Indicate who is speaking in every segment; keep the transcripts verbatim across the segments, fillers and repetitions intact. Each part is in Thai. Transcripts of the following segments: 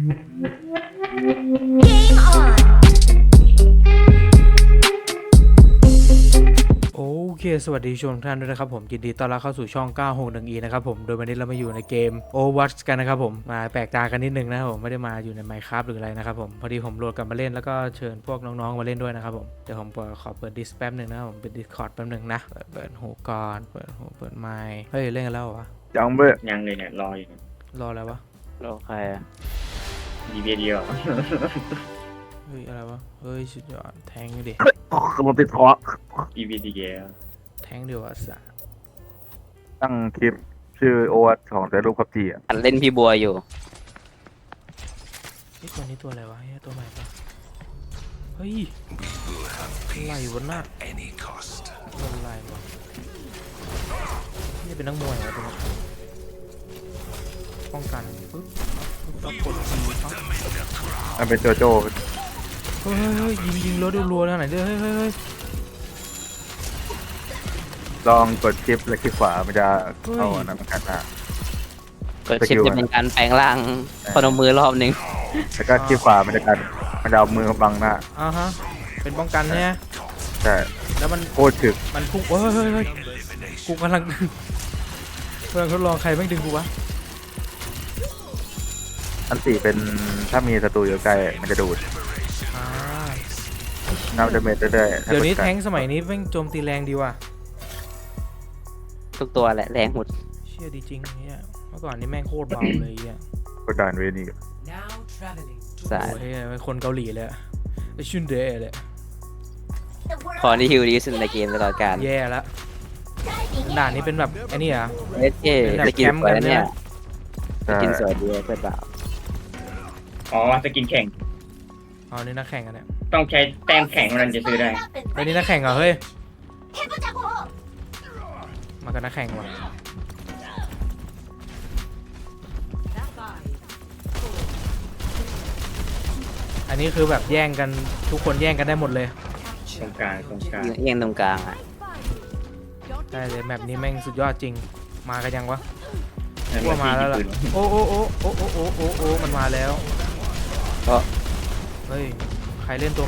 Speaker 1: Game on
Speaker 2: โอเคสวัสดีชมทุกท่านด้วยนะครับผมยินดีต้อนรับเข้าสู่ช่อง เก้าหกหนึ่ง อี นะครับผมโดยวันนี้เรามาอยู่ในเกม Overwatch กันนะครับผมมาแปลกตากันนิดนึงนะครับผมไม่ได้มาอยู่ใน Minecraft หรืออะไรนะครับผมพอดีผมโหลดกลับมาเล่นแล้วก็เชิญพวกน้องๆมาเล่นด้วยนะครับผมเดี๋ยวผมขอเปิดดิสแป๊บนึงนะครับผมเปิด Discord แป๊บนึงนะเปิดเปิดหูก่อนเปิดหูเปิดไมค์เฮ้ยเล่นกันแล้วเหรอวะ
Speaker 3: ยังเบ้อ
Speaker 4: ยังเลยเนี่ยรออยู่เนี่ย
Speaker 2: รออะไรวะ
Speaker 3: รอใครอ่ะ
Speaker 4: ดีเบียเดียว
Speaker 2: เฮ้ยอะไรวะเฮ้ยสุดยอดแทงดิ
Speaker 3: คือมันติดคอ
Speaker 4: ดีเบียดีเดียว
Speaker 2: แทงเดียวอ่ะสะ
Speaker 3: ตั้งคลิปชื่อโอวัตของแต่รูปพับจีอ่ะ
Speaker 5: อันเล่นพี่บัวอยู่
Speaker 2: ไอ้ตัวนี้ตัวอะไรวะเฮ้ยตัวใหม่ปะเฮ้ยอะไรวะน่ะตัวอะไรวะนี่เป็นนักมวยวะตัวนี้ป้องกันปึ๊บปึ๊บแล้วกดทีปั๊บ
Speaker 3: มันเป็นโจโจ้
Speaker 2: เฮ้ยเฮ้ยยิงยิงรถรัวๆทางไหนเด้อเฮ้ยเฮ้ยเฮ้ย
Speaker 3: ลองกดคลิปและคลิกขวามันจะเข้าน้ำกันนะ
Speaker 5: เปิดชิปจะเป็นการแปลงร่างพนมมือรอบหนึ่ง
Speaker 3: แล้วก็คลิกขวามันจะกันมันจะเอามือบังหน้า
Speaker 2: อ่าฮะเป็นป้องกันเนี่ย
Speaker 3: ใช่
Speaker 2: แล้วมัน
Speaker 3: โคตรถึก
Speaker 2: มันพุ่งเฮ้ยเฮ้ยเฮ้ยกูกำลังกำลังทดลองใครแม่งดึงกูวะ
Speaker 3: อันสี่เป็นถ้ามีศัตรูอยู่ใกล้มันจะดูด
Speaker 2: อ่า
Speaker 3: น้ำจะเมตรเรื่อยๆ
Speaker 2: เดี๋ยวนี้แท้งสมัยนี้แม่งโจมตีแรงดีว่ะ
Speaker 5: ทุกตัวแหละแรงหมด
Speaker 2: เชี่ยดีจริงเนี่ยเมื่อก่อนนี่แม่งโคตรเบาเลยอ่ะ
Speaker 3: กดดันเวนี่
Speaker 5: สาย
Speaker 2: โอ้ยเป็นคนเกาหลีเลยอะไอชุนเดย์เลย
Speaker 5: คอที่ฮิวดีที่สุดในเกมตลอดกาล
Speaker 2: แย่ละด่านนี้เป็นแบบไอ้นี่เหรอ่ะ
Speaker 5: เอสเอ
Speaker 2: เป็นแบบ
Speaker 5: จะกิน
Speaker 2: แคมป์
Speaker 5: สวย
Speaker 2: กันเนี่
Speaker 5: เนี่ย
Speaker 2: ย
Speaker 5: จะกินสวยดีเพื่อนเปล่า
Speaker 4: อ๋อสกินแข่ง
Speaker 2: อ๋อนี่นักแข่งกันเนี่ย
Speaker 4: ต้องใช้แต้มแข่งมันจะซื้อได้
Speaker 2: ไอ้นี่นักแข่งเหรอเฮ้ยมากันนักแข่งว่ะอันนี้คือแบบแย่งกันทุกคนแย่งกันได้หมดเลย
Speaker 4: ตรงกลางตรงกลาง
Speaker 5: เอียงตรงกลางอ่ะ
Speaker 2: ได้เลยแมปนี้แม่งสุดยอดจริงมากันยังวะ
Speaker 4: นั่น
Speaker 2: ว่ามาแล้วล่ะ
Speaker 4: ที่ปืน
Speaker 2: โอ้โอ้โอ้โอ้โอ้โอ้โอ้โอ้มันมาแล้ว
Speaker 5: ก็
Speaker 2: เฮ้ยใครเล่นตัว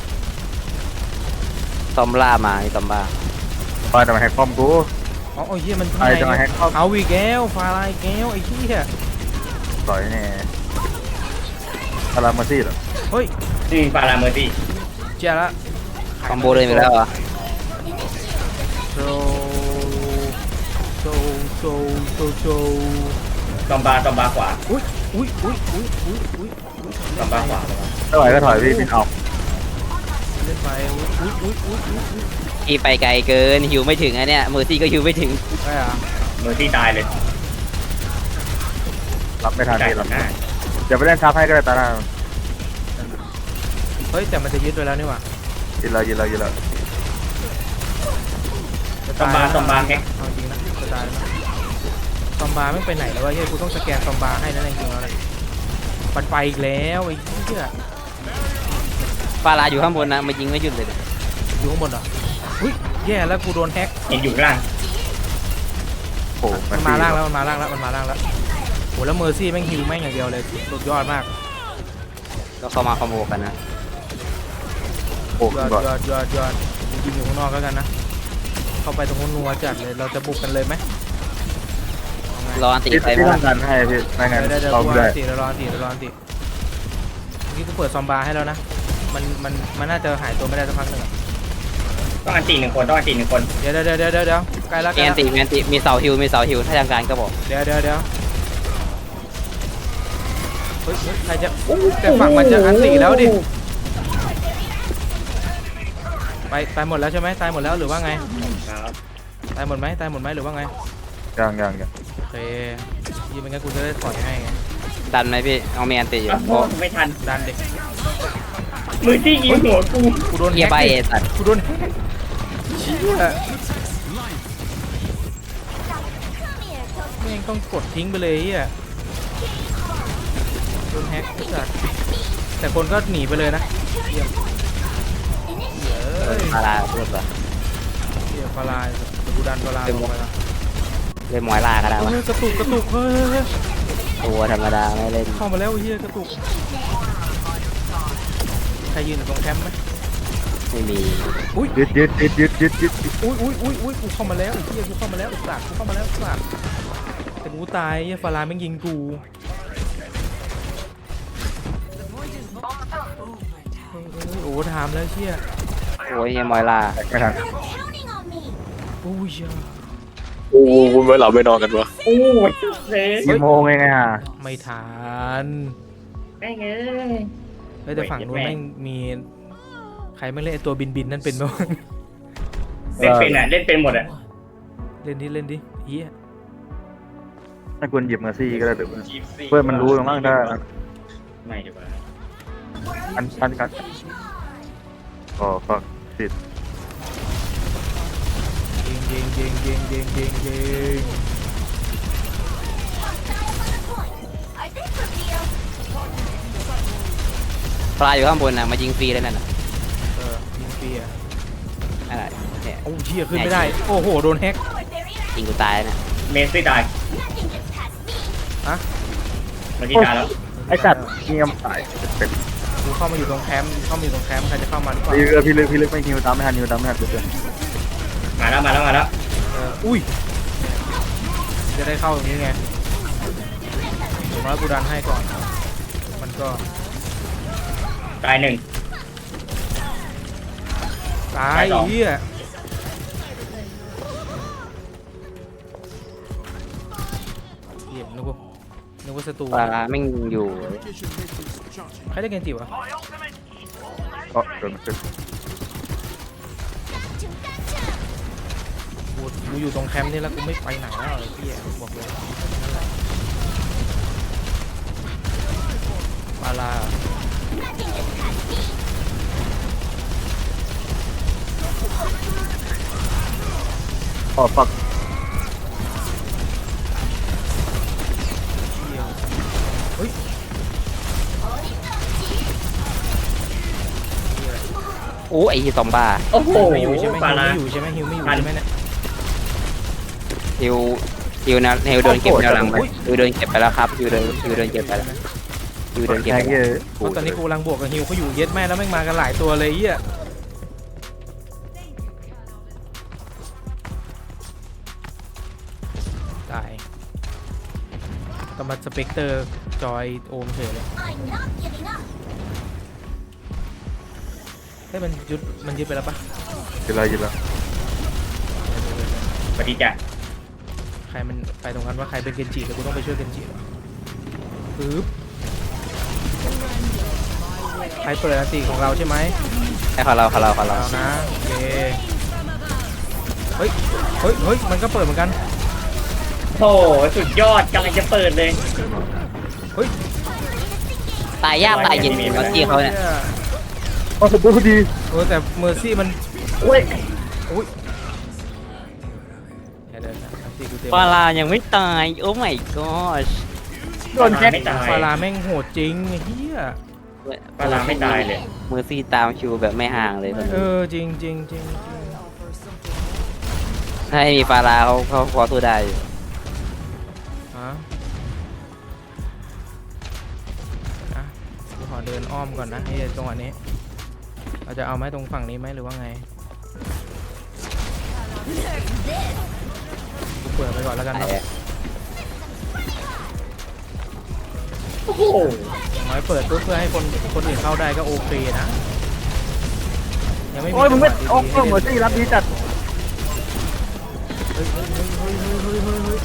Speaker 5: ตอมล่ามานี่ตอมบ้า
Speaker 3: ปาจะมาแฮกคอมกู
Speaker 2: อ๋อโอ้ยเหี้ยมัน
Speaker 3: ใครจะมาแฮกคอม
Speaker 2: เอาอีกแล้วฟาลายแก้วไอ้เหี้ย
Speaker 3: ต่อยแน่พารามาซี่เหรอ
Speaker 2: เฮ้ย
Speaker 4: อืมปาราเมอร์ตี้
Speaker 2: เจ้าละ
Speaker 5: คอมโบเลยไปแล้วเหรอ่ะ
Speaker 2: โซโซโซโซโซ
Speaker 4: ตอมบาตอมบาขวา
Speaker 2: อุ้ยอุ้ยอุ้ยอุ้ยอุ้ยอุ้ยอุ้ย
Speaker 4: ตอมบาขวาเลย
Speaker 3: ถ้าไหวก็ถอยพี่พี่เอา
Speaker 2: เล่นไปอุ้ยอุ้ยอุ้ยอุ้ยอุ้ย
Speaker 5: ที่ไปไกลเกินฮิวไม่ถึงอันเนี้ยเมอร์ซี่ก็ฮิวไม่ถึง
Speaker 2: ใช่อะ
Speaker 4: เมอร์ตี้ตายเลย
Speaker 3: รับไม่ทัน
Speaker 4: จ่าย
Speaker 3: พี่
Speaker 4: ห
Speaker 3: รั
Speaker 4: ลั
Speaker 3: บ
Speaker 4: งหน้า
Speaker 3: เดี๋ยวไปเล่นทับให้ก็ได้ตาหน้า
Speaker 2: เฮ้ยแต่มันจะยึดไปแล้วนี่หว่า
Speaker 3: ยินเรายินเรายินเรา
Speaker 4: ตอมบาตอมบาแฮก
Speaker 2: เอาจริงนะจะตายแล้วนะซอมบาไม่ไปไหนแล้ววะเฮ้ยกูต้องสแกนซอมบาให้นั่นจริงๆแล้วนะปัดไปอีกแล้วไอ้เหี้ย
Speaker 5: ฟาราอยู่ข้างบนนะมายิงไม่หยุดเลย
Speaker 2: อยู่ข้างบนเหรออุ้ยแย่แล้วกูโดนแฮก
Speaker 4: เห็นอยู่ข้างล่าง
Speaker 3: โอ้โห
Speaker 2: มันมาล่างแล้วมันมาล่างแล้วมันมาล่างแล้วโหแล้วเมอร์ซี่แม่งฮิวแม่งอย่างเดียวเลยสุดยอดมาก
Speaker 5: ก็เข้ามาคอมโบกันนะ
Speaker 3: โอ้
Speaker 2: ยอด
Speaker 3: ก่อน
Speaker 2: ยอดยอดยอดยิงอยู่ข้างนอกแล้วกันนะเข้าไปตรงนู้นนัวจัดเลยเราจะบุกกันเลยไหมเอาไง
Speaker 5: รออันตี
Speaker 3: พี่
Speaker 5: ไป
Speaker 3: พี่
Speaker 5: บ้า
Speaker 3: ต้องการให้พี่ไม่งั้น
Speaker 2: เดี๋ยวเดี๋ยว
Speaker 3: เรา
Speaker 2: กู
Speaker 3: ไม่
Speaker 2: รอ
Speaker 3: ได้
Speaker 2: อันติเดี๋ยวรออันติเดี๋ยวรออันติเมื่อกี้กูเปิดซอมบาให้แล้วนะมันมันมันน่าจะหายตัวไม่ได้สักพักหนึ่งอะ
Speaker 4: ต้องอันตีหนึ่งคนต้องอันตีหนึ่งคน
Speaker 2: เดี๋ยวเดี๋ยวเดี๋ยวเดี๋ยวเดี๋ยวใกล้แล้วใก
Speaker 5: มี
Speaker 2: ล้
Speaker 5: อั
Speaker 2: แล้
Speaker 5: น
Speaker 2: ว
Speaker 5: ตีมีอันตีมีเสาฮิวมีเสาฮิวถ้าทางการก็บอก
Speaker 2: เดี๋ยวเดี๋ยวเดี๋ยวเฮ้ยเฮ้ยใครจะแต่ฝั่งมันจะอันติแล้วดิไปตายหมดแล้วใช่ไหมตายหมดแล้วหรือว่าไง
Speaker 4: ครับ
Speaker 2: ตายหมดไหมตายหมดไหมหรือว่าไง
Speaker 3: ยังยังยัง
Speaker 2: โอเคยี่เป็นงั้นกูจะได้ถอยให้ไง
Speaker 5: ดันไหมพี่เอามีอันตีอยู่
Speaker 4: อ้าว
Speaker 5: โอ้
Speaker 4: ไม่ทัน
Speaker 2: ดันเด็ก
Speaker 4: เมอร์ตี้ยิงหัวกู
Speaker 2: กูโดน
Speaker 5: เกีย
Speaker 2: แฮ
Speaker 5: ร์ใบ
Speaker 2: ก
Speaker 5: เอ
Speaker 2: ดิ
Speaker 5: สัตว์
Speaker 2: กูโดนแฮกเชี่ยแม่งต้องกดทิ้งไปเลยอ่ะโดนแฮกจัดแต่คนก็หนีไปเลยนะเยี่ยมเฮ้ย
Speaker 5: ฟาราพูดว่า
Speaker 2: เยี่ยมฟาลายเดี๋ยวกูดันฟาลายลงไปละ
Speaker 5: เลยมอยล่าก็ได้วะ
Speaker 2: เฮ้ยกระตุกกระตุกเฮ้ยเฮ้ยเฮ้ย
Speaker 5: ตัวธรรมดาไม่เล่น
Speaker 2: เข้ามาแล้วไอ้เฮียกระตุกใครยืนอยู่ตรงแคมป์ไหม
Speaker 5: ไม่มี
Speaker 2: อุ้ย
Speaker 3: ยึดยึดยึดยึดยึดยึด
Speaker 2: อุ้ยอุ้ยอุ้ยอุ้ยกูเข้ามาแล้วไอ้เฮียกูเข้ามาแล้วไอ้สัตว์กูเข้ามาแล้วไอ้สัตว์แต่กูตายไอ้เฮียฟาราแม่งยิงกูเฮ้ยเฮ้ยโอ้ถามแล้วเชี่ย
Speaker 5: โอ้ยเฮียมอยล่า
Speaker 3: ไม่ทัน
Speaker 1: Counting on me.
Speaker 2: โอ้ยเหี้ย
Speaker 6: โอ้คุณไม่หลับไม่นอนกันวะ
Speaker 4: โอ้ยเลย
Speaker 3: กี่โมงเองอ่ะ
Speaker 2: ไม่ทัน
Speaker 4: แม่งเอ้ย
Speaker 2: เฮ้ยแต่ฝั่งนู้น
Speaker 4: แม่ง
Speaker 2: แม่งมีใครไม่เล่นไอ้ตัวบินบินนั่นเป็นบ้าง
Speaker 4: เล่นเป็นอ่ะเล่นเป็นหมดอ่ะ
Speaker 2: เล่นดิเล่นดิเฮีย
Speaker 3: ถ้าคุณหยิบมาซี่ก็ได้หรือเพื่อนมันรู้หรือมั้งถ้า
Speaker 4: ไม่ดีกว่า
Speaker 3: อันอันกันอ๋อฟังติด
Speaker 2: เยิงเยิงเยิงเยิงเยิงเยิงเยิง
Speaker 1: I think reveal.
Speaker 5: ปลาอยู่ข้างบนนะมายิงฟรีเลยนั่นน่ะ
Speaker 2: เออยิงฟรีอ่ะ
Speaker 5: อะไรเนี่ย
Speaker 2: โอ้เชี่ยขึ้นไม่ได้โอ้โหโดนแฮก
Speaker 1: Forward barrier.
Speaker 5: ยิงกูตายนะ
Speaker 4: เมสซี่ตาย
Speaker 1: Nothing gets past me.
Speaker 2: อะ
Speaker 4: เมื่อกี้ตายแล้ว
Speaker 3: ไอ้สัตว์เงียบสายเป็น
Speaker 2: กูเข้ามาอยู่ตรงแคมป์เข้ามาอยู่ตรงแคมป์ใครจะเข้ามาหรือเปล่า
Speaker 3: พี่เลือกพี่เลือกพี่เลือกไม่ฮิวตามไม่ทันฮิวตามไม่ทันเพื่อน
Speaker 4: มาแล้วมาแล้วมาแล้ว
Speaker 2: เอออุ้ยจะได้เข้าตรงนี้ไงผมว่ากูดันให้ก่อน มันก็
Speaker 4: ตายหนึ่ง
Speaker 2: ตาย
Speaker 4: ตายสอง
Speaker 2: เหี้ยเหี้ยนึกว่านึกว่าศัตรู
Speaker 5: ปลาแม่งอยู่
Speaker 2: ใครได้เกนจิวะ
Speaker 3: ก็โดนขึ้น
Speaker 2: กูกูอยู่ตรงแคมป์นี่แล้วกูไม่ไปไหนแล้วไอ้พี่บอกเลยนั่นแหละปาลา
Speaker 1: Nothing gets past me.
Speaker 3: อ๋อฟัง
Speaker 2: เฮ้ย
Speaker 5: โอ้ไอ้เหี้ยซอมบ้า
Speaker 4: โอ้โห
Speaker 2: ไม่อยู่ใช่ไหม
Speaker 4: ปา
Speaker 2: ฮิว
Speaker 4: ลา
Speaker 2: ไม่อยู่ใช่ไหมฮิวไม่อยู่
Speaker 4: ทัน
Speaker 2: ใช่ไหมเนี่ย
Speaker 5: ฮิวฮิวนะฮิวโดนเก็บแนวหลังไปฮิวโดนเก็บไปแล้วครับฮิวโดนฮิวโดนเก็บไปแล้วฮิวโดนเก็บ
Speaker 3: แค่
Speaker 5: ไป
Speaker 3: เย
Speaker 5: แล้ว
Speaker 3: อะ
Speaker 2: เพราะตอนนี้กูกำลังบวกกับฮิวเขาอยู่เย็ดแม่แล้วแม่งมากันหลายตัวเลยไอ้เหี้ยตายต้องมาสเปกเตอร์จอยโอมเฉยเลย
Speaker 1: I'm not giving up.
Speaker 2: เฮ้ยมันยึดมันยึดไปแล้วปะ
Speaker 3: ยิงเลยยิงเลย
Speaker 4: สวัสดีจ้ะ
Speaker 2: ใครมันไปตรงนั้นว่าใครเป็นเกนจิแต่กูต้องไปช่วยเกนจิวะปึ๊บใครเปิดอันตีของเราใช่ไหม
Speaker 5: ให้เขาเราเขาเราเขาเรา
Speaker 2: เรานะโอเคเฮ้ยเฮ้ยเฮ้ยมันก็เปิดเหมือนกัน
Speaker 4: โอ้โหสุดยอดกำลังจะเปิดเลย
Speaker 2: เฮ้ย
Speaker 5: ตายยากตายเย็นเมื่อกี้เขาเนี่ย
Speaker 3: อ๋อสมบูรณ์ดี
Speaker 2: เออแต่เมอร์ซี่มัน
Speaker 4: โอ้ย
Speaker 2: อุ้ยอย่าเดินนะอันตีกูเต็ม
Speaker 5: ปลายังไม่ตายโอ้ my gosh
Speaker 3: โดนแค่
Speaker 4: ไม่ตาย
Speaker 2: ฟาราแม่งโหดจริงไอ้เฮีย
Speaker 4: ปาลาไม่ตายเลย
Speaker 5: มือซี่ตามคิวแบบไม่ห่างเลยตอน
Speaker 2: เอ
Speaker 5: นี้
Speaker 2: อจริงจริงจริงจริง
Speaker 5: ถ้าไม่มีปลาเขาเขาพอสู้ได้อยู่
Speaker 2: ฮะอ่ะกูขอเดินอ้อมก่อนนะไอ้จังหวะนี้เราจะเอาไหมตรงฝั่งนี้ไหมหรือว่าไงกูเปิดไปก่อนแล้วกันเนาะ
Speaker 4: โอ้โห
Speaker 2: อย่างน้อยเปิดเพื่อเพื่อให้คนคนอื่นเข้าได้ก็โอเคนะยังไม่มี
Speaker 3: โอ้ยมึงไม่
Speaker 2: จั
Speaker 3: โอ้
Speaker 2: หวะ
Speaker 3: โห
Speaker 2: ดีๆ
Speaker 3: เหมือนซี่รับดีจัด
Speaker 2: เฮ้ยเฮ้ยเฮ้ยเฮ้ยเฮ้ยเฮ้ยเฮ้ยเฮ้ย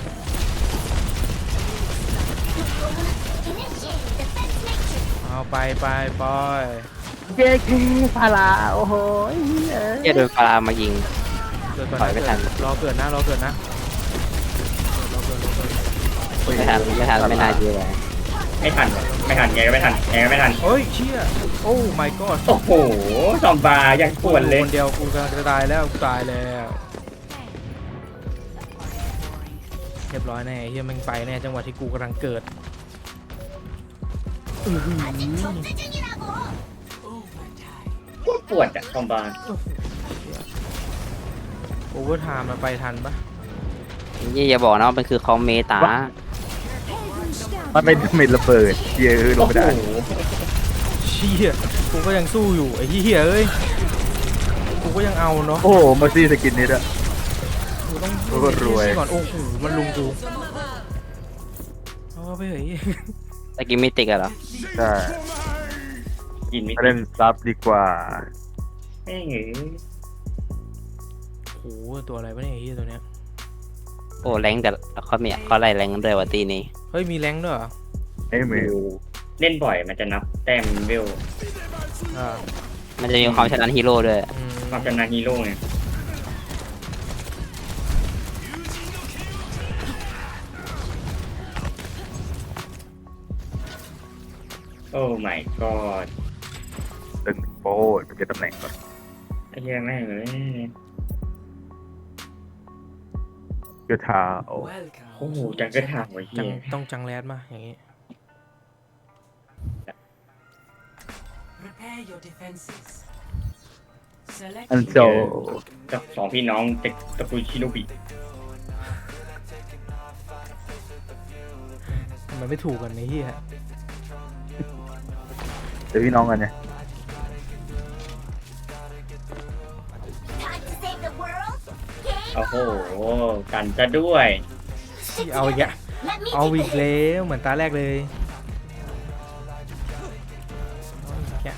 Speaker 1: Initiate defense matrix.
Speaker 2: เอาไปไปปอย
Speaker 3: เจ๊กี้พาราโอ้โห
Speaker 5: เหี้ยโดนปลามายิง
Speaker 2: เกิดก่อน
Speaker 5: ถอยไม่ทัน
Speaker 2: รอเกิดนะรอเกิดนะรอเกิดรอเกิด
Speaker 5: ไม่ทันไม่ทันไม่น่าเชื่อเลย
Speaker 4: ไม่ทันไม่ทันไงก็ไม่ทันไงก็ไม่ทัน
Speaker 2: เฮ้ยเชี่ยโอ้ my god
Speaker 4: โอ้โหซอมบายังปวดเลย
Speaker 2: คนเดียวกูจะตายแล้วกูตายแล้วเรียบร้อยแน่เฮียแมันไปแน่จังหวะที่กูกำลังเกิด
Speaker 1: 아직 전투 중이라고.
Speaker 4: ปวดปวดอะซอมบา
Speaker 2: โอเวอร์ไทม์มาไปทันปะ
Speaker 5: นี่อย่าบอกนะว่ามันคือคอมเมตา
Speaker 3: มันเป็นมิดระเบิดเหี้ยอะลงไม่ได้
Speaker 4: โอ้โห
Speaker 2: เชี่ยกูก็ยังสู้อยู่ไอ้เหี้ยเอ้ยกูก็ยังเอาเนาะ
Speaker 3: โอ้โหมาซี่สกินนี้ด้วย
Speaker 2: กูต้อง
Speaker 3: โอ้โหรวย
Speaker 2: ก่อนโอ้โหมันลุงกูเอาไปเฮ้ย
Speaker 5: ตะกี้มิติกอะเหรอ
Speaker 3: ใช่
Speaker 4: กินไม่
Speaker 3: เล่นซับดีกว่า
Speaker 4: แม่งเอ้ย
Speaker 2: โอ้โหตัวอะไรวะเนี่ยไอ้เหี้ยตัวเนี้ย
Speaker 5: โอ้แรงแต่เขามีเขาไล่แรงกันด้วยว่ะตีนี้
Speaker 2: เฮ้ยมีแรงค์ด้วยเหรอ
Speaker 3: ไอ้เมล
Speaker 4: เล่นบ่อยมันจะนับแต้มเวล
Speaker 2: อ่า
Speaker 5: มันจะมีความชนะฮีโร่ด้วย
Speaker 2: อืม
Speaker 4: ความชำนาญฮีโร่ไงโอ้ my god
Speaker 3: ตึงโป้จะเป็นตำแหน่งก่อน
Speaker 4: ไอ้เหี้ยแม่งเลย
Speaker 3: เกือทาโอ้
Speaker 4: โอ้โหจังก็ถามไว้
Speaker 2: จั
Speaker 4: เหี้
Speaker 2: ง
Speaker 4: ย
Speaker 2: ต้องจังแรดมาอย่างงี้
Speaker 7: Prepare your defenses. Select
Speaker 3: อันโจ
Speaker 4: กับสองพี่น้องเต็กตระกูลชิโนบิ
Speaker 2: มันไม่ถูกกันไอ้เหี้ย
Speaker 3: เดี๋ยวพี่น้องกันเนี่ย
Speaker 1: Time to save the world. Game
Speaker 4: โอ้โหกันจะด้วย
Speaker 2: เอาอีกอะ
Speaker 1: Let me
Speaker 2: เอา
Speaker 1: take
Speaker 2: อีก
Speaker 1: the hit.
Speaker 2: แล้วเหมือนตาแรกเลยเอาอีกอะ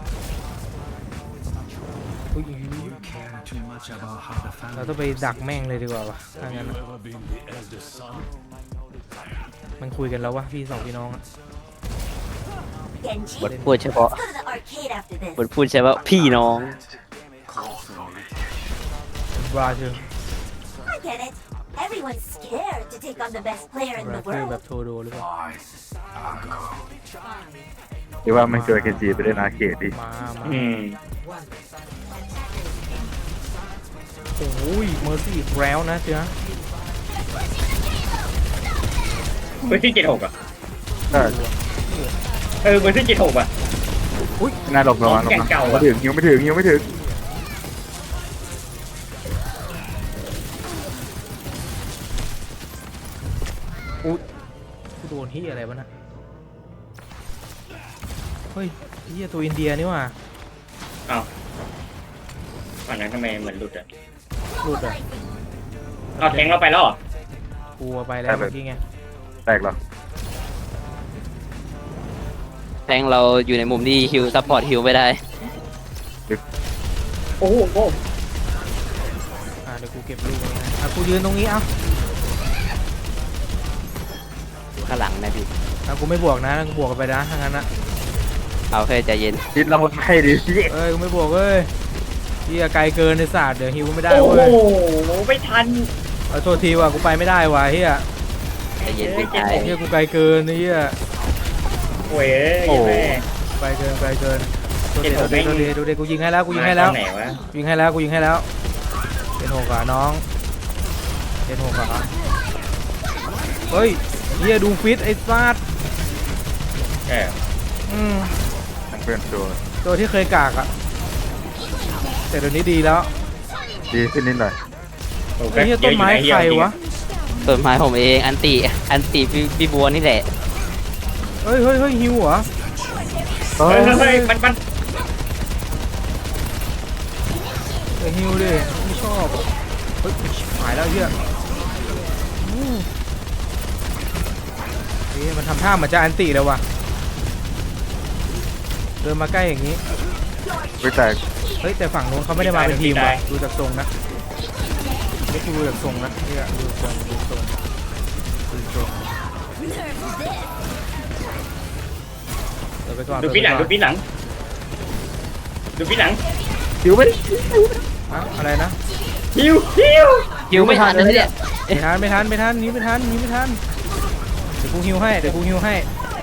Speaker 2: อุ๊ยเราต้องไปดักแม่งเลยดีกว่าวะถ้างั้นอะมันคุยกันแล้ววะพี่สองพี่น้องอะ
Speaker 1: Genji.
Speaker 5: บทพูดเฉพาะ
Speaker 1: Let's go to the arcade after this.
Speaker 5: บทพูดเฉพาะพี่น้อง
Speaker 2: บราซิล
Speaker 1: I get it. Everyone's scared to take on the best player in
Speaker 2: บรา
Speaker 1: the
Speaker 2: ซิลแบ
Speaker 1: world.
Speaker 2: บโทโดหรือเปล่า
Speaker 3: หรือว่าไม่เจอเคนจีไปเล่นอาร์เคดดิ
Speaker 2: มามา
Speaker 4: อืม
Speaker 2: โอ้ยเมอร์ซี่อีกแล้วนะเจ้า
Speaker 4: เบอร์ที่เจ็ดหกอ่ะ
Speaker 3: ใช่
Speaker 4: เออเบอร์ที่เจ็ดหกอ่ะ
Speaker 3: น่าหลบระวังหลบ
Speaker 4: แกง
Speaker 3: นะ
Speaker 4: เก่าอะ
Speaker 3: ไม่ถึงยังไม่ถึงยังไม่ถึง
Speaker 2: อุ๊ยกูโดนที่อะไรวะน่ะเฮ้ยเฮียตัวอินเดียนี่ว่ะ
Speaker 4: อ้าวอันนั้นทำไมเหมือนหลุดอ่ะ
Speaker 2: หลุดอ่ะ
Speaker 4: เอาแทงเราไปแล้วเหรอ
Speaker 2: กูเอาไปแล้วเมื่อกี้ไง
Speaker 3: แตกเหรอ
Speaker 5: แทงเราอยู่ในมุมที่ฮิวซัพพอร์ตฮิวไม่ได้
Speaker 4: โอ้โหโอ้โห
Speaker 2: อ่าเดี๋ยวกูเก็บลูกตรงนี้ให้อ่ะกูยืนตรงนี้เอ้า
Speaker 5: ข้างหลังนะพี่
Speaker 2: อ่ะกูไม่บวกนะกูบวกกันไปนะถ้างั้นนะ
Speaker 5: เอาแค่ใจเย็น
Speaker 3: คิดเราให้ดิ
Speaker 2: เอ้ยกูไม่บวกเอ้ยเฮียไกลเกินในศาสตร์เดี๋ยวฮิวไม่ได้
Speaker 4: โอ้
Speaker 2: เว้ย
Speaker 4: โหไม่ทัน
Speaker 2: เอาโทษทีว่ะกูไปไม่ได้ว่ะเฮีย
Speaker 5: ใจเย็นพี่ชาย
Speaker 2: เฮียกูไกลเกินเฮีย
Speaker 4: โอ้ยเอ้ยแม่
Speaker 2: ไกลเกินไกลเกินโทษ
Speaker 4: เจ็
Speaker 2: ที
Speaker 4: ด
Speaker 2: โท
Speaker 4: ห
Speaker 2: ษ
Speaker 4: ก
Speaker 2: ทีโทษที
Speaker 4: ไม่
Speaker 2: ดูดิกูยิงให้แล้วกูยิงให้แล้ว
Speaker 4: มาตอนไหนวะ
Speaker 2: ยิงให้แล้วกูยิงให้แล้วเป็นหกอ่ะน้องเป็นหกอ่ะเฮ้ยเฮียดูฟิตไอ้ซัด
Speaker 4: เออ
Speaker 2: อืม
Speaker 3: ทั้งเพื่อนตัว
Speaker 2: ตัวที่เคยกากอ่ะแต่เดี๋ยวนี้ดีแล้ว
Speaker 3: ดีขึ้นนิดหน่อย
Speaker 4: โอ้
Speaker 2: ไอ้เฮียต้นไม้ใครวะ
Speaker 5: ต้นไม้ผมเองอันติอันติพี่พี่บัวนี่แหละ
Speaker 2: เฮ้ยเฮ้ยเฮ้ยฮิวเหรอ
Speaker 3: เฮ้
Speaker 4: เฮ้
Speaker 3: ย
Speaker 4: ยเฮ้ยมันมัน
Speaker 2: เฮ้ยฮิวดิไม่ชอบเฮ้ยหายแล้วเฮียอืมเฮ้ยมันทำท่าเหมือนจะอันติแล้วว่ะเดินมาใกล้อย่างนี้
Speaker 3: ไม่แตก
Speaker 2: เฮ้ยแต่ฝั่งนู้นเขาไม่ได้มาเป็นทีมว่ะดูจากทรงนะไม่ดูจากทรงนะเนี่ยดูทรงดูทรงดูทรงเดี๋ยวไปก่อน
Speaker 4: ดูปีหลังดูปีหลังดูปีหลัง
Speaker 3: คิวไม่ได้
Speaker 2: ฮะอะไรนะ
Speaker 4: ฮิวฮิว
Speaker 5: ฮิวไม่ทันเลยเนี่ย
Speaker 2: ไม่ทันไม่ทันไม่ทันหนี้ไม่ทันหนี้ไม่ทันเดี๋ยวกูฮิวให้เดี๋ยวกูฮิวให้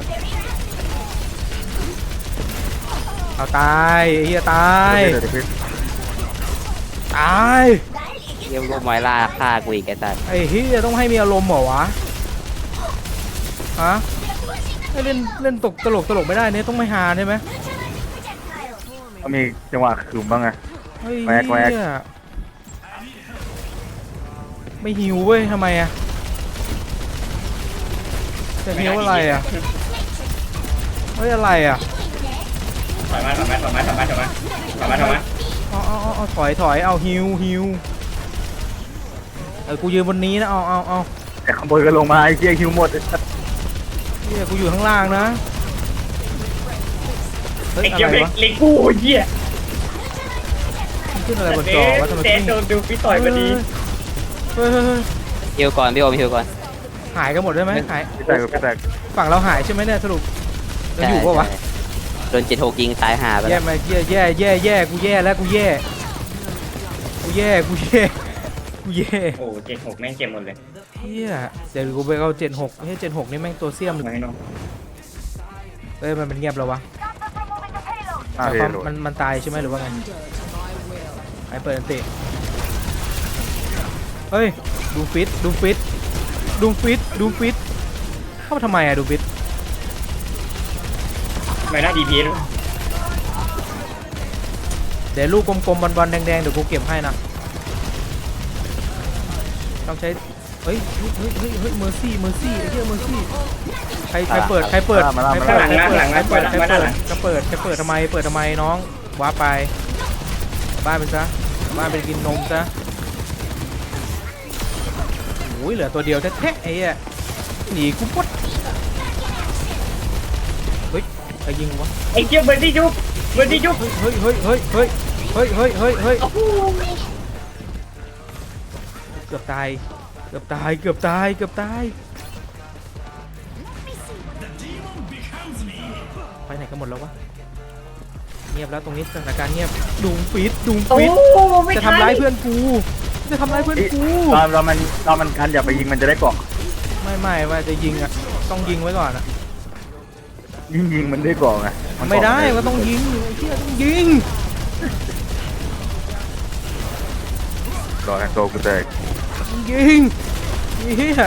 Speaker 2: เอาตายไอ้เหี้ยตาย
Speaker 3: เดี๋ยวเดี๋ยวเดี๋ยว
Speaker 2: ตาย
Speaker 5: เยี่ยมลูกไม้ล่าฆ่ากูอีกไอ้สัส
Speaker 2: ไอ้เหี้ยต้องให้มีอารมณ์เหรอวะฮะให้เล่นเล่นตกตลกตลกไม่ได้เนี่ยต้องไม่ฮาใช่ไหม
Speaker 1: Neutralizing projectile.
Speaker 3: ต้องมีจังหวะขึมบ้างไง
Speaker 2: เฮ้ย
Speaker 3: แว๊กแว๊ก
Speaker 2: เหี้ยไม่หิวเว้ยทำไมอะใจจะฮิวอะไรอ่ะเฮ้ยอะไรอ่ะ
Speaker 4: ถอยมาถอยมาถอยมาถอยมาถอยมาถอยมาถอยมา
Speaker 2: เอาเอาเอาเอาถอยถอยเอาฮิวฮิวเออกูยืนบนนี้นะเอาเอาเอา
Speaker 3: แต่ขโมยก็ลงมาไอ้เหี้ยฮิวหมด
Speaker 2: เฮียกูอยู่ข้างล่างนะเฮ้ย
Speaker 4: ไอ้
Speaker 2: อะ
Speaker 4: เกียว
Speaker 2: ไร
Speaker 4: เล็ก
Speaker 2: วะ
Speaker 4: เล็กกูเหี้ย
Speaker 2: มันขึ้นอะไรบน
Speaker 4: เด
Speaker 2: จอวะทำไม
Speaker 4: เด
Speaker 2: ขึ้น
Speaker 4: โดนดูฟิตต่อยพอดี
Speaker 2: เฮ้ยเฮ้ยเฮ้ย
Speaker 5: ฮิวก่อนพี่โอมฮิวก่อน
Speaker 2: หายกันหมดได้ไหมหาย
Speaker 3: พี่แตกพี่แตก
Speaker 2: ฝั่งเราหายใช่ไหมเนี่ยสรุปเราอยู่ปะวะ
Speaker 5: ใช่โดนเจ็ดหกยิงตายหาไป
Speaker 2: แย่
Speaker 5: แล้ว
Speaker 2: มาแย่แย่แย่แย่กูแย่แล้วกูแย่กูแย่กูแย่กูแย่
Speaker 4: โอ้เจ็ดหกแม่งเจ็บหมดเลย
Speaker 2: เฮียเดี๋ยวกูไปเอาเจ็ดหกเฮ้ยเจ็ดหกนี่แม่งตัวเสี้ยม
Speaker 4: มาให้น้อง
Speaker 2: เอ้ยมันเป็นเงียบแล้ววะ
Speaker 3: หน้า
Speaker 2: หมาย
Speaker 3: เท
Speaker 2: ความ
Speaker 3: โร
Speaker 2: มันมันตายใช่ไหมหรือว่าไงไอ้เปิดอันติเฮ้ยดูฟิตดูฟิตดูฟิตดูฟิตเข้ามาทำไมอะดูฟิต
Speaker 4: ไม่น่าดีพีด้วย
Speaker 2: เดี๋ยวลูกกลมๆบอลๆแดงๆเดี๋ยวกูเก็บให้นะต้องใช้เฮ้ยเฮ้ยเฮ้ยเฮ้ยเฮ้ยเมอร์ซี่เมอร์ซี่ไอ้เหี้ยเมอร์ซี่ใครใครเปิดใครเปิดใครเปิดใครเปิดใครเปิดใครเปิดใครเปิดใครเปิดใครเปิดทำไมเปิดทำไมน้องว้าไปบ้านไปซะบ้านไปกินนมซะโอ้ยเหลือตัวเดียวแท้ๆไอ้เหี้ยหนีกูปุ๊ดเฮ้ยใครยิงวะ
Speaker 4: ไอ้เกียวเบอร์ดี้ยุบเบอร์ดี้ยุบ
Speaker 2: เฮ้ยเฮ้ยเฮ้ยเฮ้ยเฮ้ยเฮ้ยเฮ้ยเฮ้ยเกือบตายเกือบตายเกือบตายเกือบตายไปไหนกันหมดแล้ววะเงียบแล้วตรงนี้สถานการณ์เงียบดุงฟิตดุง
Speaker 4: โอ้
Speaker 2: ฟิต
Speaker 4: ไม่
Speaker 2: จะ
Speaker 4: ทัน
Speaker 2: ทำร้ายเพื่อนกูจะทำร้ายเพื่อนกู
Speaker 3: ตอนเรามันตอนมันกันอย่าไปยิงมันจะได้เกาะ
Speaker 2: ไม่ไม่ว่าจะยิงอ่ะต้องยิงไว้ก่อนอ่ะ
Speaker 3: ยิงยิงมันได้เกาะไงน
Speaker 2: ไม่
Speaker 3: เกาะ
Speaker 2: ได้ก็ต้องยิงไอ้เหี้ยต้องยิง
Speaker 3: รอแอนโตกูแตก
Speaker 2: ยิงเฮีย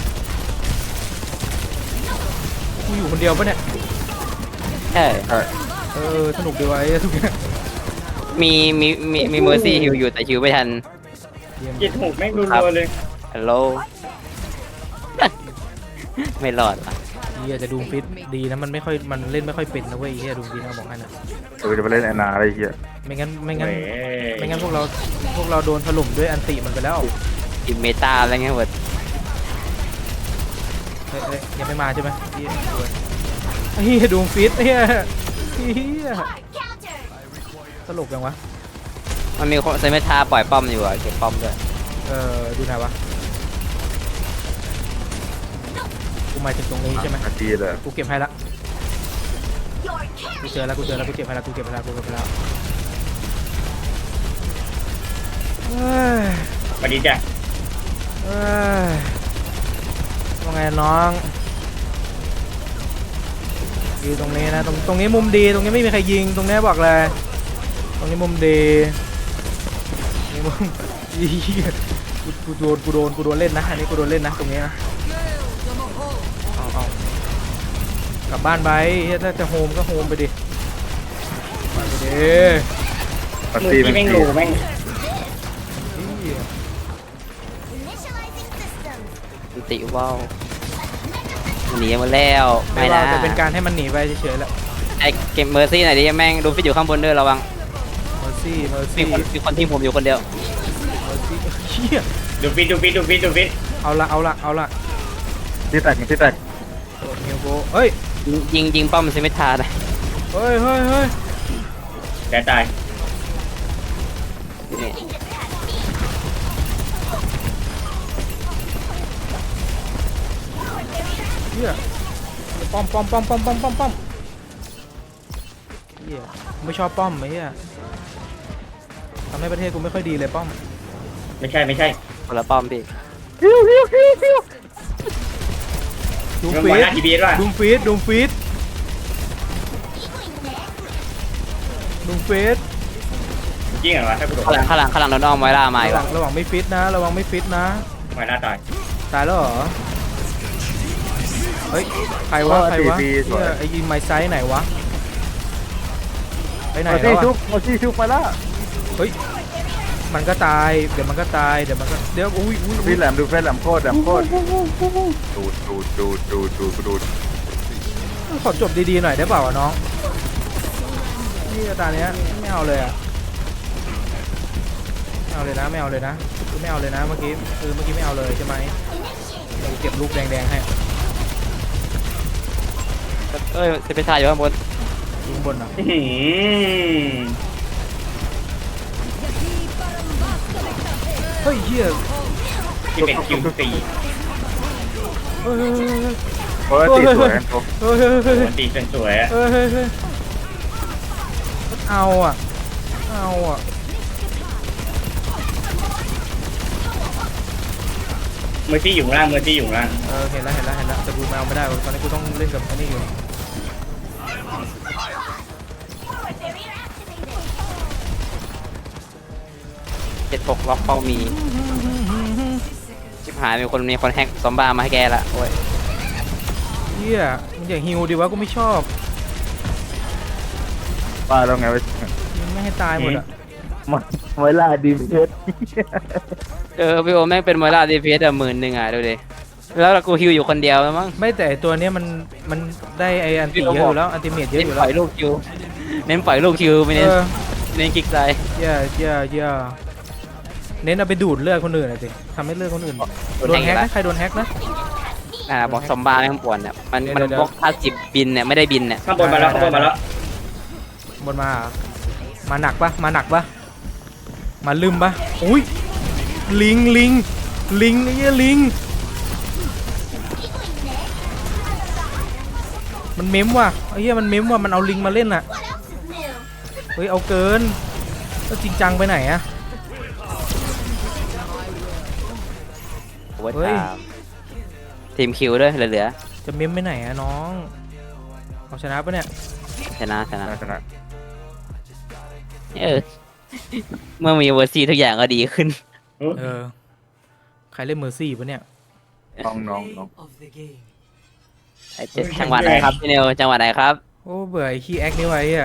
Speaker 2: กูอยู่คนเดียวปะเนี่ย
Speaker 5: ใช่
Speaker 3: ใช่
Speaker 2: เออสนุกดีวะไอ้ทุกอย่าง
Speaker 5: มีมีมีมีเมอร์ซี่ฮิวอยู่แต่ฮิวไม่ทัน
Speaker 2: เยี่ยม
Speaker 4: เจ็ดหกแม่งรัวๆเลย
Speaker 5: ฮัลโหล ไม่รอดว่ะ
Speaker 2: เฮียจะดูฟิตดีนะมันไม่ค่อยมันเล่นไม่ค่อยเป็นนะเว้ยเฮียดูฟิตนะบอกให้นะ
Speaker 3: เออจะไปเล่นแอนนาอะไรเหี้ย
Speaker 2: ไม่งั้นไม่งั้น
Speaker 4: เว้ย
Speaker 2: ไม่งั้นพวกเราพวกเราโดนถล่มด้วยอันติมันไปแล้ว
Speaker 5: ทีมเมตาอะไรเงี้ยหมด
Speaker 2: เฮ้ยเฮ้ยยังไม่มาใช่ไหมเฮียเฮียดูฟิตเฮียเฮีย
Speaker 1: Counter.
Speaker 2: ตลกยังวะ
Speaker 5: มันมีคนเซเมตาปล่อยป้อมอยู่อะเก็บป้อมด้วย
Speaker 2: เออดูไหนวะกูหมายถึงตรงนี้ใช่ไหม
Speaker 3: อาทีเลย
Speaker 2: กูเก็บให้ละ
Speaker 1: Your
Speaker 2: กู
Speaker 1: carry.
Speaker 2: เจอแล้วกูเจอแล้วกูเก็บให้ละกูเก็บให้ละกูเก็บให้ละเฮ้ย
Speaker 4: สวัสดีจ้ะ
Speaker 2: เอ้ยว่าไงน้องอยู่ตรงนี้นะตรงตรงนี้มุมดีตรงนี้ไม่มีใครยิงตรงนี้บอกเลยตรงนี้มุมดีนี่มุม เหี้ยกูกูโดนกูโดนกูโดนเล่นนะอันนี้กูโดนเล่นนะตรงนี้นะเอาเอากลับบ้านไปเฮ้ยถ้าจะโฮมก็โฮมไปดิบ้านไปดิ
Speaker 3: ปาร์
Speaker 4: มือ
Speaker 3: ตี้
Speaker 4: ที่
Speaker 3: เป็น
Speaker 4: แม่ง
Speaker 3: ที
Speaker 4: รูแม่ง
Speaker 2: เหี้ย
Speaker 1: Initializing systems.
Speaker 5: ติว่าวหนีมาแล้ว
Speaker 2: ไม่
Speaker 5: ไม่
Speaker 2: ว่า
Speaker 5: นะ
Speaker 2: จะเป็นการให้มันหนีไปเฉยๆแหละ
Speaker 5: ไอเก็บเมอร์ซี่หน่อยดิแม่งดูฟิตอยู่ข้างบนด้วยระวัง
Speaker 2: เมอร์ซี่เมอร์
Speaker 5: มี
Speaker 2: ซี่
Speaker 5: คนมีคนที่ผมอยู่คนเดียว
Speaker 2: เมอร์ซี่เฮีย
Speaker 4: ดูฟิตดูฟิตดูฟิตดูฟิต
Speaker 2: เอาละเอาละเอาละ
Speaker 3: ที่แตกที่แตก
Speaker 2: โดนฮิวโกเฮ้ย
Speaker 5: ยิงยิงป้อมเซเมตาเลย
Speaker 2: เฮ้ยเฮ้ยเฮ้ย
Speaker 4: แต่ตาย
Speaker 5: นี่
Speaker 2: เฮียป้อมป้อมป้อมป้อมป้อมป้อมป้อมเฮียไม่ชอบป้อมไอ้เฮียทำให้ประเทศกูไม่ค่อยดีเลยป้อม
Speaker 4: ไม่ใช่ไม่ใช่
Speaker 5: คนละป้อมพี่
Speaker 2: ดู
Speaker 4: เรื่อง
Speaker 2: ฟี
Speaker 4: หัว
Speaker 2: ด
Speaker 4: หน้าทีบีด้วย
Speaker 2: ดูฟีดดูฟีดดูฟีด
Speaker 4: จริงเหรอวะถ้ากูโดน
Speaker 5: ข้างหลังข้างหลังข้างหลังโดนอ้อมไว้ล่ามาอี
Speaker 2: ระ
Speaker 5: ก
Speaker 2: วังระวังไม่ฟิตนะระวังไม่ฟิตนะ
Speaker 4: หัวหน้าตาย
Speaker 2: ตายแล้วเหรอเฮ้ยใครวะใครวะเฮียไอ้ยิงไม้ไซส์ไหนวะไปไหน
Speaker 3: มา
Speaker 2: แล้
Speaker 3: ซี่
Speaker 2: ว
Speaker 3: ชุ
Speaker 2: อะ
Speaker 3: บมาซี่ชุบมาแล้ว
Speaker 2: เฮ้ยมันก็ตายเดี๋ยวมันก็ตายเดี๋ยวมันก็เดี๋ยวอุ้ยอุ้ยอุ้
Speaker 3: พี่
Speaker 2: ย
Speaker 3: แหลมดูเฟซแหลมโคตรแหลมโคตรดูดดูดดูดดูดดูดดูด
Speaker 2: ขอจบดีๆหน่อยได้เปล่าวะน้องนี่ตาเนี้ยไม่เอาเลยอะไม่เอาเลยนะไม่เอาเลยนะคือไม่เอาเลยนะเมื่อกี้คือเมื่อกี้ไม่เอาเลยใช่ไหมเดี๋ยวเก็บลูกแดงๆให้
Speaker 5: เอ้ยจะไปถ่ายอยู่ข้างบน
Speaker 2: ยิงบนเหรอ
Speaker 4: อื้อหือ
Speaker 2: เฮ้ยเฮีย
Speaker 4: ที่เป็นคิวสี่
Speaker 2: เฮ้ยเฮ้ยเฮ้ย
Speaker 3: โอ้ยตีสวยกันโต
Speaker 2: เฮ้ยเฮ้ยเฮ้ย
Speaker 4: ปกติสวยๆอะ
Speaker 2: เฮ้ยเฮ้ยเฮ้ยเอาอ่ะเอาอ่ะ
Speaker 4: เมอร์ซี่อยู่ข้างล่างเมอร์ซี่อยู่ข้างล่าง
Speaker 2: เออเห็นแล้วเห็นแล้วเห็นแล้วแต่กูแมวไม่ได้ตอนนี้กูต้องเล่นกับอันนี้อยู่
Speaker 5: เจ็ดหกล็อกเป้ามีชิบหายมีคนมีคนแฮกซอมบ้ามาให้แกละโอ้ย
Speaker 2: เฮียมันอย่าฮิวดิวะกูไม่ชอบ
Speaker 3: ว่าแล้วไงวะ
Speaker 2: มันไม่ให้ตายหมดอ่ะ
Speaker 3: มาเวลาดีเพชร
Speaker 5: เออพี่โอแม่งเป็นมวยล่าดีพีเอสอะหมื่นหนึ่งอ่ะดูดิแล้วกูฮิวอยู่คนเดียวมั้ง
Speaker 2: ไม่แต่ตัวเนี้ยมันมันได้ไออันติเยอะอยู่แล้วอันติเมตเยอะ
Speaker 5: เน้
Speaker 2: อน ยู่
Speaker 5: ป
Speaker 2: แล้
Speaker 5: ล่
Speaker 2: ว
Speaker 5: อยลูกคิวเน้นปล่อยลูกคิวไม่
Speaker 2: เอ
Speaker 5: เน้น
Speaker 2: อ
Speaker 5: เน้นกิกใจ
Speaker 2: เย่เย่เย่เน้นเอาไปดูดเลือดคนอื่นหน่อยสิทำให้เลือดคนอื่นโดนแฮกนะใครโดนแฮกนะ
Speaker 5: อ่าบอกซอมบ้าแม่งป่วนเนี่ยมัน
Speaker 2: เดี๋ยว
Speaker 5: มัน
Speaker 2: เดี๋ยว
Speaker 5: บล็อกพาสสิบบินเนี่ยไม่ได้บินเนี่ย
Speaker 4: ข้างบนมาแล้วข้างบนมาแล้ว
Speaker 2: บนมาเหรอมาหนักปะมาหนักปะมาลืมปะอุ้ยลิงลิงลิงไอ้เหี้ยลิงมันเม้มว่ะไอ้เหี้ยมันเม้มว่ะมันเอาลิงมาเล่นอ่ะ
Speaker 1: What else is new?
Speaker 2: เฮ้ยเอาเกินก็จริงจังไปไหนอะ
Speaker 5: โอ้ย
Speaker 2: เฮ้ย
Speaker 5: ตามทีมคิวด้วยเหลือ
Speaker 2: จะเม้มไปไหนอะน้องเอาชนะปะเนี่ย
Speaker 5: ๆชนะชนะ
Speaker 3: ชนะ
Speaker 5: เออเมื่อมีเวอร์ซีทุกอย่างก็ดีขึ้น
Speaker 2: เออใครเล่นเมอร์ซี่ปะเนี่ย
Speaker 3: น้องน้องน้อง
Speaker 7: of the game.
Speaker 5: ไอ้เจ็ดจังหวัดไหนครับพี่เนวจังหวัดไหนครับ
Speaker 2: โอ้เบื่อไอ้ขี้แอคนี่ไว้อะ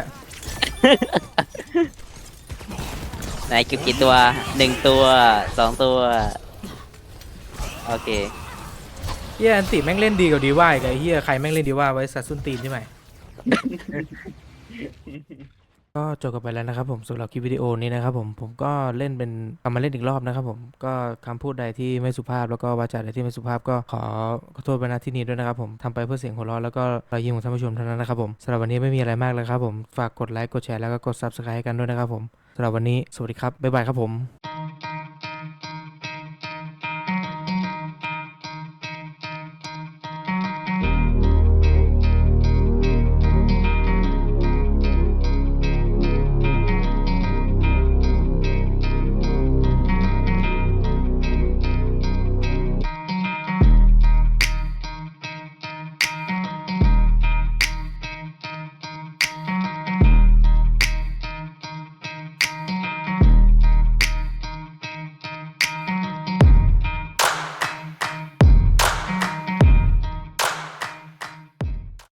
Speaker 5: ไหนกี่กี่ตัวหนึ่งตัวสองตัวโอเค
Speaker 2: เฮียอันติแม่งเล่นดีกว่าดีว่าอีกไอ้เฮียใครแม่งเล่นดีว่าไว้สัตว์ส้นตีนใช่ไหม ก็จบกันไปแล้วนะครับผมสำหรับคลิปวิดีโอนี้นะครับผมผมก็เล่นเป็นกลับมาเล่นอีกรอบนะครับผมก็คำพูดใดที่ไม่สุภาพแล้วก็วาจาใดที่ไม่สุภาพก็ขอขอโทษไปณที่นี้ด้วยนะครับผมทำไปเพื่อเสียงหัวเราะแล้วก็รอยยิ้มของท่านผู้ชมเท่านั้นนะครับผมสำหรับวันนี้ไม่มีอะไรมากเลยครับผมฝากกดไลค์กดแชร์แล้วก็กด ซับสไครบ์ ให้กันด้วยนะครับผมสำหรับวันนี้สวัสดีครับบ๊ายบายครับผม